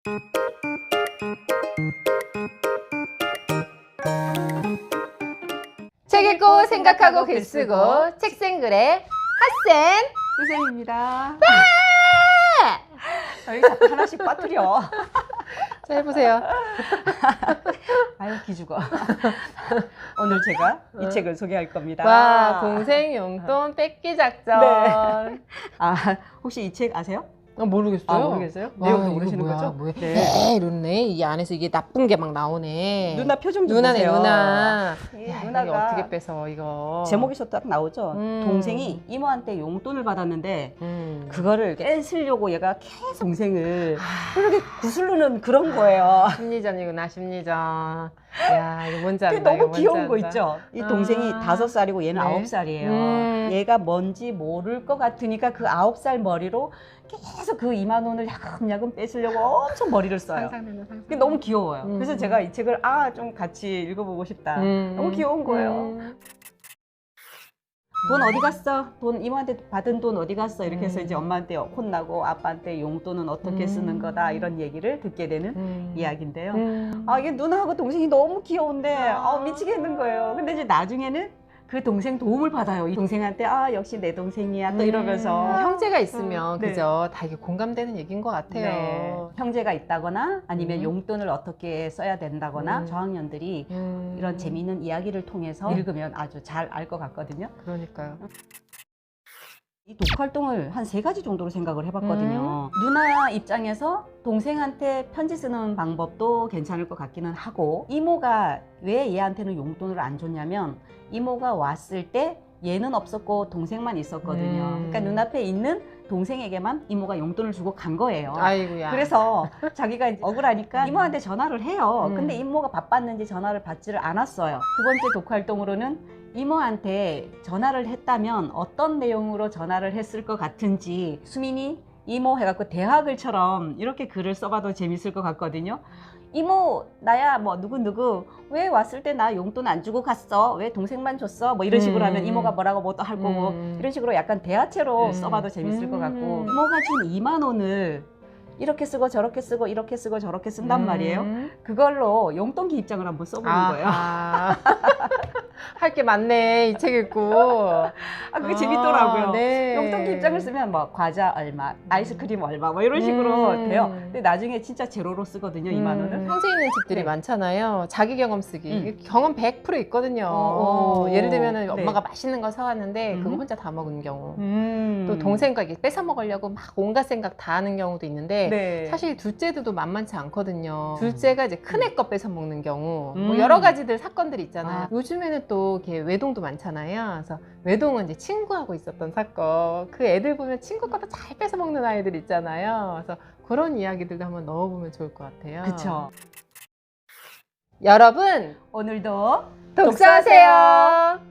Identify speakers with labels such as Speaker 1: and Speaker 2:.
Speaker 1: 책 읽고 생각하고 글 쓰고 책생글의 핫쌤
Speaker 2: 선생입니다. 여기 자꾸 하나씩 빠뜨려.
Speaker 1: 자, 해보세요.
Speaker 2: 아유 기죽어. 오늘 제가 이 책을 소개할 겁니다.
Speaker 1: 와, 동생 용돈 뺏기 작전.
Speaker 2: 네. 아 혹시 이 책 아세요?
Speaker 1: 모르겠어요.
Speaker 2: 아 모르겠어요?
Speaker 1: 와,
Speaker 2: 내용도
Speaker 1: 이거
Speaker 2: 모르시는
Speaker 1: 뭐야,
Speaker 2: 거죠?
Speaker 1: 뭐야.
Speaker 2: 네.
Speaker 1: 네, 이렇네. 이 안에서 이게 나쁜 게 막 나오네.
Speaker 2: 누나 표정 좀
Speaker 1: 누나네,
Speaker 2: 보세요.
Speaker 1: 누나.
Speaker 2: 이
Speaker 1: 야,
Speaker 2: 누나가
Speaker 1: 이거 어떻게 뺏어, 이거.
Speaker 2: 제목에서 딱 나오죠.
Speaker 1: 음.
Speaker 2: 동생이 이모한테 용돈을 받았는데
Speaker 1: 그거를
Speaker 2: 그거를 뺏으려고 얘가 계속 동생을 그렇게 구슬르는 그런 거예요.
Speaker 1: 심리전이구나, 심리전. 야, 이거 뭔지
Speaker 2: 그게
Speaker 1: 안다. 이거
Speaker 2: 너무
Speaker 1: 뭔지
Speaker 2: 귀여운 거
Speaker 1: 안다.
Speaker 2: 있죠. 이 동생이
Speaker 1: 아.
Speaker 2: 5살이고 얘는
Speaker 1: 네.
Speaker 2: 9살이에요. 얘가 뭔지 모를 것 같으니까 그 9살 머리로 계속 그 2만 원을 야금야금 뺏으려고 엄청 머리를 써요.
Speaker 1: 상상된다, 상상.
Speaker 2: 그게 너무 귀여워요. 그래서 제가 이 책을 좀 같이 읽어보고 싶다. 너무 귀여운 거예요. 돈 어디 갔어? 돈 이모한테 받은 돈 어디 갔어? 이렇게 해서 이제 엄마한테 혼나고 아빠한테 용돈은 어떻게 쓰는 거다 이런 얘기를 듣게 되는 이야기인데요. 이게 누나하고 동생이 너무 귀여운데 미치겠는 거예요. 근데 이제 나중에는 그 동생 도움을 받아요. 이 동생한테 역시 내 동생이야 또 이러면서
Speaker 1: 형제가 있으면
Speaker 2: 네.
Speaker 1: 그죠? 다 이게 공감되는 얘기인 것 같아요.
Speaker 2: 네. 형제가 있다거나 아니면 용돈을 어떻게 써야 된다거나 저학년들이 이런 재미있는 이야기를 통해서 읽으면 아주 잘 알 것 같거든요.
Speaker 1: 그러니까요.
Speaker 2: 이 독활동을 한 3가지 정도로 생각을 해봤거든요. 누나 입장에서 동생한테 편지 쓰는 방법도 괜찮을 것 같기는 하고, 이모가 왜 얘한테는 용돈을 안 줬냐면 이모가 왔을 때 얘는 없었고 동생만 있었거든요. 그러니까 눈앞에 있는 동생에게만 이모가 용돈을 주고 간 거예요.
Speaker 1: 아이고야.
Speaker 2: 그래서 자기가 이제 억울하니까 이모한테 전화를 해요. 근데 이모가 바빴는지 전화를 받지를 않았어요. 두 번째 독활동으로는 이모한테 전화를 했다면 어떤 내용으로 전화를 했을 것 같은지 수민이 이모 해갖고 대화글처럼 이렇게 글을 써봐도 재밌을 것 같거든요. 이모 나야 뭐 누구누구 왜 왔을 때 나 용돈 안 주고 갔어? 왜 동생만 줬어? 뭐 이런 식으로 하면 이모가 뭐라고 뭐 또 할 거고 이런 식으로 약간 대화체로 써봐도 재밌을 것 같고, 이모가 준 2만 원을 이렇게 쓰고 저렇게 쓰고 이렇게 쓰고 저렇게 쓴단 말이에요. 그걸로 용돈기 입장을 한번 써보는 거예요.
Speaker 1: 할 게 많네, 이 책 읽고.
Speaker 2: 그게 재밌더라고요.
Speaker 1: 네.
Speaker 2: 용돈기 입장을 쓰면 뭐 과자 얼마, 아이스크림 얼마 뭐 이런 식으로 돼요. 근데 나중에 진짜 제로로 쓰거든요, 2만 원을.
Speaker 1: 평소에 있는 집들이
Speaker 2: 네.
Speaker 1: 많잖아요. 자기 경험 쓰기. 경험 100% 있거든요. 예를 들면
Speaker 2: 네.
Speaker 1: 엄마가 맛있는 거 사왔는데 그거 혼자 다 먹은 경우. 또
Speaker 2: 또
Speaker 1: 동생과 이게 뺏어 먹으려고 막 온갖 생각 다 하는 경우도 있는데
Speaker 2: 네.
Speaker 1: 사실 둘째들도 만만치 않거든요. 둘째가 이제 큰애 거 뺏어 먹는 경우 뭐
Speaker 2: 음.
Speaker 1: 여러 가지들 사건들이 있잖아요. 요즘에는 또 이렇게 외동도 많잖아요. 그래서 외동은 이제 친구하고 있었던 사건. 그 애들 보면 친구 것도 잘 뺏어 먹는 아이들 있잖아요. 그래서 그런 이야기들도 한번 넣어보면 좋을 것 같아요.
Speaker 2: 그쵸.
Speaker 1: 여러분
Speaker 2: 오늘도
Speaker 1: 독서하세요.